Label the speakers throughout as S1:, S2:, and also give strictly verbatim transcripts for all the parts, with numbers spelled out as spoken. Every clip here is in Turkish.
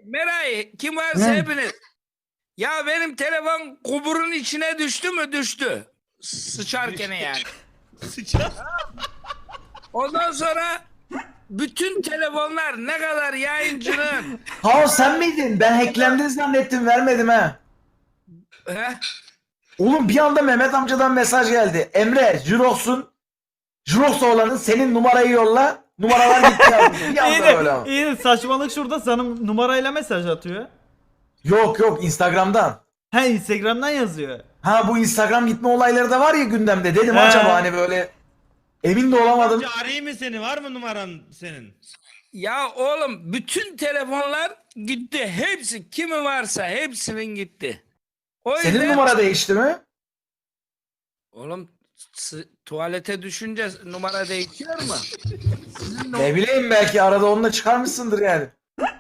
S1: Meray kim varsa
S2: He.
S1: hepiniz. Ya benim telefon kuburun içine düştü mü? Düştü. Sıçarken yani.
S3: Sıçar.
S1: Ondan sonra bütün telefonlar ne kadar yayıncının
S2: Ha sen miydin? Ben hacklendin zannettim, vermedim ha.
S1: he?
S2: Oğlum bir anda Mehmet amcadan mesaj geldi. Emre, Jurox'un Jurox oğlanın senin numarayı yolla. Numaralar gitti yazmış. Bir
S4: İyi
S2: anda öyle
S4: de,
S2: ama.
S4: iyi de saçmalık şurada sana numarayla mesaj atıyor.
S2: Yok yok, Instagram'dan.
S4: He, Instagram'dan yazıyor.
S2: Ha, bu Instagram gitme olayları da var ya gündemde. Dedim
S4: He.
S2: acaba hani böyle emin de olamadım.
S3: Amca arayayım mı seni? Var mı numaran senin?
S1: Ya oğlum bütün telefonlar gitti. Hepsi kimi varsa hepsinin gitti. O
S2: Senin
S1: yüzden
S2: numara değişti mi?
S1: oğlum s- tuvalete düşünce numara değişiyor mu? Sizin
S2: Ne bileyim, belki arada onunla çıkarmışsındır yani.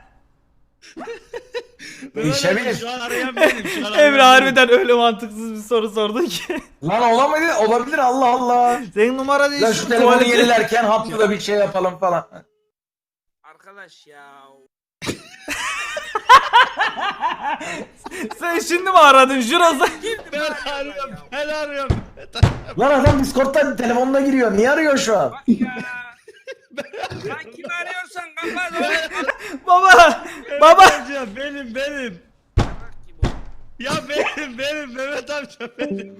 S2: Değişebilir.
S3: Mehmet abi, Şu an arayan benim. Şu an arayan
S4: Emre
S3: benim.
S4: harbiden öyle mantıksız bir soru sordu ki.
S2: Lan olamadı, olabilir, Allah Allah.
S4: Senin numara değil.
S2: Lan şu telefonu yenilerken haftada bir şey yapalım falan.
S1: arkadaş ya.
S4: Sen şimdi mi aradın Juroz'a?
S3: Ben arıyorum. Ben arıyorum.
S2: Lan adam Discord'dan telefonuna giriyor. Niye arıyor şu an?
S1: Bak ya. Lan kimi arıyorsan kapat oğlum.
S4: Baba! Baba!
S3: Amca benim benim. Ya benim benim Mehmet amca benim.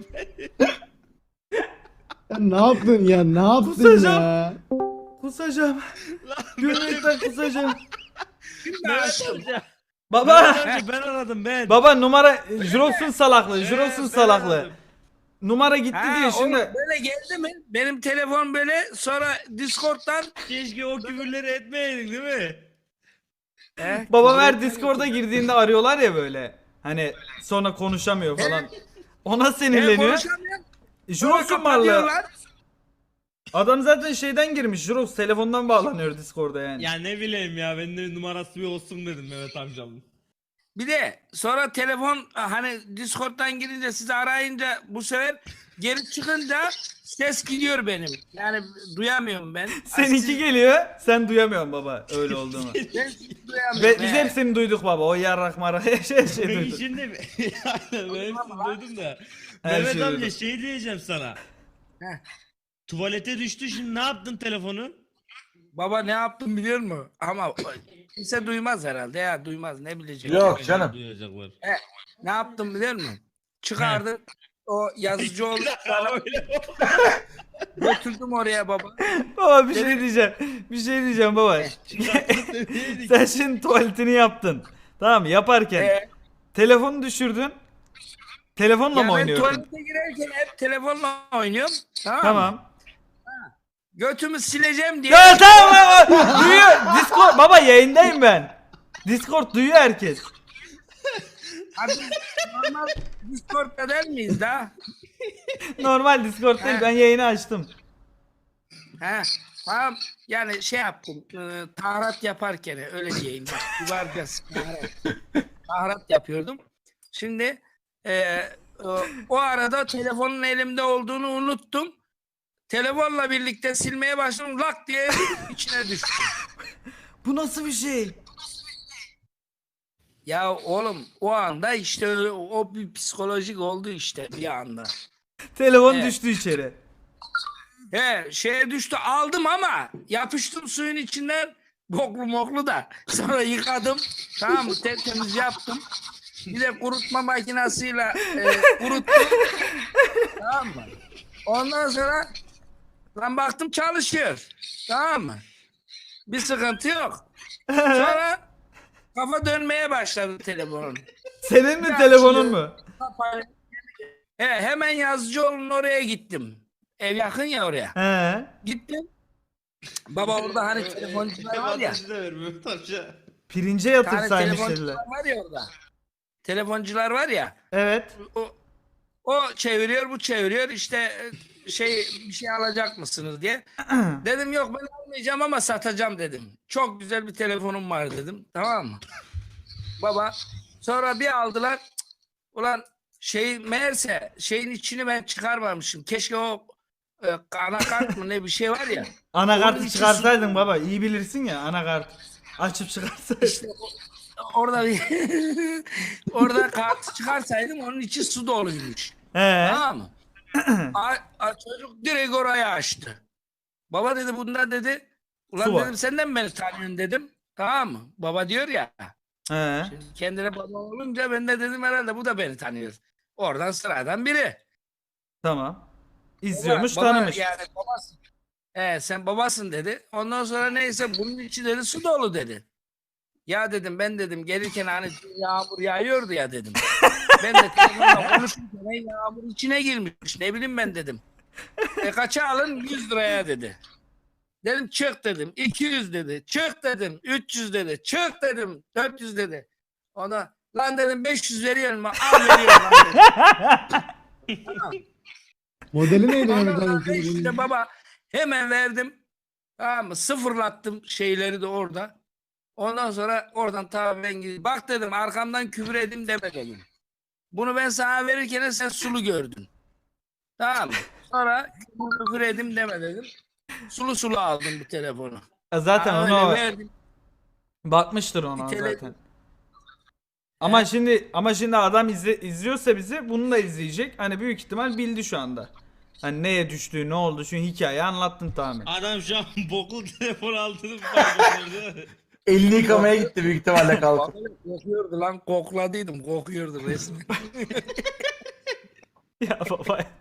S5: Ya ne yaptın ya? Ne yaptın
S4: Kusacağım.
S5: ya?
S4: Kusacağım.
S3: Lan
S4: Gülmekten kusacağım.
S3: Mehmet amca.
S4: Baba!
S3: Mehmet amca ben aradım ben.
S4: Baba numara Jurox'un salaklığı.
S3: Evet,
S4: Jurox'un
S3: ben
S4: salaklığı.
S3: aradım.
S4: Numara gitti
S1: Ha,
S4: diye
S1: oğlum
S4: şimdi.
S1: böyle geldi mi? Benim telefon böyle sonra Discord'dan
S3: Keşke o küfürleri etmeyeydin değil mi?
S1: He?
S4: Babam her Discord'a girdiğinde arıyorlar ya böyle. Hani sonra konuşamıyor falan. Ona
S1: Ben
S4: sinirleniyor.
S1: konuşamıyorum.
S4: Jurox'un varlığı.
S1: Kapatıyorlar.
S4: Adam zaten şeyden girmiş. Jurox telefondan bağlanıyor Discord'a yani.
S3: Ya ne bileyim ya benim de numarası bir olsun dedim Mehmet amcamın.
S1: Bir de sonra telefon hani Discord'dan girince sizi arayınca bu sefer geri çıkınca ses gidiyor benim. Yani duyamıyorum ben.
S4: Seninki
S1: Siz-
S4: geliyor. Sen duyamıyorsun baba öyle olduğunu.
S1: Ben sizi duyamıyorum.
S4: Ve biz
S1: He.
S4: hepsini duyduk baba. O yarrak marak her şey, her şey
S3: Ben
S4: duyduk.
S3: şimdi yani ben hepsini duydum da.
S4: Her
S3: Mehmet
S4: şeyi
S3: amca
S4: duydum.
S3: şey diyeceğim sana.
S1: Heh.
S3: Tuvalete düştü şimdi ne yaptın telefonu?
S1: Baba ne yaptım biliyor musun? Ama kimse duymaz herhalde ya duymaz ne bilecek.
S2: Yok canım.
S3: Duyacaklar.
S1: He, ne yaptım biliyor musun? Çıkardı o yazıcı oldu. Götürdüm oraya baba.
S4: Baba bir şey diyeceğim. Bir şey diyeceğim baba. Sen şimdi tuvaletini yaptın. Tamam mı? Yaparken
S1: Ee,
S4: telefonu düşürdün. Telefonla
S1: ya
S4: mı
S1: ben
S4: oynuyordun?
S1: tuvalete girerken hep telefonla oynuyorum. Tamam. mı?
S4: Tamam.
S1: Götümü sileceğim diye.
S4: Ya tamam baba. Duyuyor. Discord baba yayındayım ben. Discord duyuyor herkes.
S1: Abi, normal Discord'da der miyiz daha?
S4: Normal Discord değil, ben yayını açtım.
S1: He. Tamam. Yani şey yaptım. E, taharat yaparken öyle diyeyim. Bak yuvarcası taharat. Taharat yapıyordum. Şimdi e, o, o arada telefonun elimde olduğunu unuttum. Telefonla birlikte silmeye başladım. Lak diye içine düştü.
S4: Bu nasıl bir şey?
S1: Ya oğlum o anda işte öyle- o bir psikolojik oldu işte bir anda.
S4: Telefon
S1: Evet.
S4: düştü içeri.
S1: He şeye düştü aldım ama yapıştım suyun içinden boklu moklu da sonra yıkadım tamam mı tertemiz yaptım bir de kurutma makinasıyla e, kuruttum tamam mı ondan sonra lan baktım çalışıyor tamam mı bir sıkıntı yok sonra kafa dönmeye başladı telefonun.
S4: Senin mi
S1: Ya,
S4: telefonun
S1: şimdi-
S4: mu?
S1: He, hemen Yazıcıoğlu'nun oraya gittim ev yakın ya oraya.
S4: He.
S1: Gittim. Baba orada hani telefoncular var ya.
S3: Adresi de ver Mehmet amca.
S4: Pirince
S1: Tane
S4: yatırsaymış dediler.
S1: telefoncular var ya orada. Telefoncular var ya.
S4: Evet.
S1: O, o çeviriyor bu çeviriyor işte e, şey bir şey alacak mısınız diye. Dedim yok ben almayacağım ama satacağım dedim. Çok güzel bir telefonum var dedim. Tamam mı? Baba sonra bir aldılar. Cık, ulan şey meğerse şeyin içini ben çıkarmamışım. Keşke o e, anakart mı ne bir şey var ya. Onun
S4: Anakartı
S1: içi
S4: çıkarsaydın baba, iyi bilirsin ya, anakart açıp çıkarsaydın.
S1: İşte orada bir orada kartı çıkarsaydım onun içi su doluymuş.
S4: He.
S1: Tamam mı? A, a- çocuk direkt orayı açtı. Baba dedi bunda dedi. Ulan
S4: Su var.
S1: dedim senden beni tanıyorsun dedim. Tamam mı? Baba diyor ya.
S4: He.
S1: Şimdi kendine baba olunca ben de dedim herhalde bu da beni tanıyor. Oradan sıradan biri.
S4: Tamam. İzliyormuş,
S1: Baba- baba
S4: tanımış.
S1: Yani babasın. He, sen babasın dedi. Ondan sonra neyse bunun içi dedi su dolu dedi. Ya dedim ben dedim gelirken hani yağmur yağıyordu ya dedim. Ben de telefonla konuşurken "Ey, yağmur içine girmiş ne bileyim ben dedim. E kaça alın yüz liraya dedi. Dedim çık dedim iki yüz dedi. Çık dedim üç yüz dedi. Çık dedim dört yüz dedi. Ona lan dedim beş yüz veriyorum al veriyorum lan dedim. Tamam.
S5: Modeli neydi
S1: Ondan
S5: Mehmet
S1: sonra
S5: amca?
S1: işte baba hemen verdim. Tamam mı? Sıfırlattım şeyleri de orada. Ondan sonra oradan tabii ben gidip bak dedim arkamdan küfür edeyim deme dedim. Bunu ben sana verirken sen sulu gördün. Tamam mı? Sonra küfür edeyim deme dedim. Sulu sulu aldım bu telefonu.
S4: Zaten
S1: Ha,
S4: onu
S1: öyle verdim.
S4: bakmıştır ona
S1: Bir tele-
S4: zaten. Ama şimdi ama şimdi adam izle, izliyorsa bizi bunu da izleyecek. Hani büyük ihtimal bildi şu anda. Hani neye düştüğü, ne oldu, şu hikayeyi anlattın tamamen.
S3: Adam şu an boklu telefon aldığını fark etmedi.
S2: Elini yıkamaya gitti büyük ihtimalle kalkıp.
S1: Kokuyordu lan kokladıydım kokuyordu resmen.
S4: Ya baba.